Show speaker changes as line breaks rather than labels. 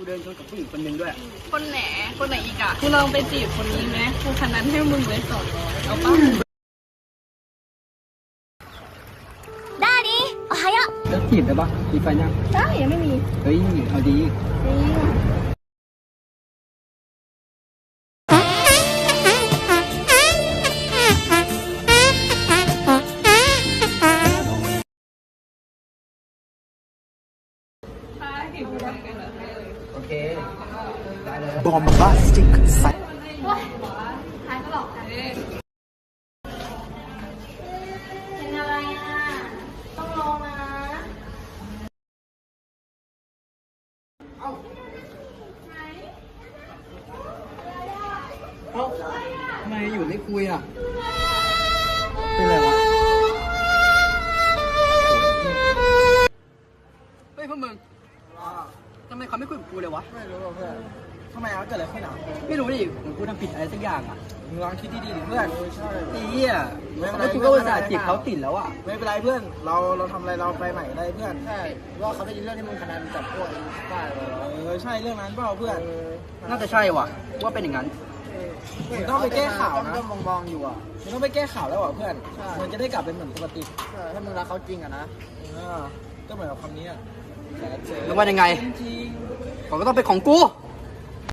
เดินชนกับผู้หญิงคนหนึ่งด้วย
คนไหนอีกอ่ะกูลองไปจีบคนนี้ไหมกูคันนั้นให้มึงเลย200เอาปะ
ダーリンおはよう
แล้วจีบได้ปะมีแฟนยัง
ได้ยังไม่มี
เฮ้ยเอาดี โอเค ได้เลย
bombastic sight
ท้ายก็หลอกกันเป็นอะไรอ่ะ ต้องลองนะ
เอ้าทำไมอยู่ไม่คุยอ่ะ เป็นไรวะ เฮ้ยพวกมึงทำไมเขาไม่คุยกับกูเลยวะ
ไม่รู้เพื่อนทำไมเกิดอะไรขึ้นอ่ะ
ไม่รู้ดิเหมือนกูทำผิดอะไรสักอย่างอ่ะ
มึงลองคิดดีๆดิเพื่อนใช่
ไอ้เหี้ยแล้วกูก็อุตส่าห์จีบเขาติดแล้วอ่ะ
ไม่เป็นไรเพื่อนเราทำอะไรเราไปใหม่ได้เพื่อนใช่ว่าเขาได้ยินเรื่องที่มึงคะแนนจับพวกป้าใช่เรื่องนั้นเปล่าเพื่อน
น่าจะใช่ว่ะ ว่าเป็นอย่างนั้น
มึงต้องไปแก้ข่าวนะมองอยู่อ่ะมึงต้องไปแก้ข่าวแล้วอ่ะเพื่อนมันจะได้กลับเป็นเหมือนปกติถ้ามึงรักเขาจริงอ่ะนะก็เหมือนกับคำนี้อ่ะ
แล้วว่ายังไง
จริง
เขาก็ต้องเป็นของกู
ใ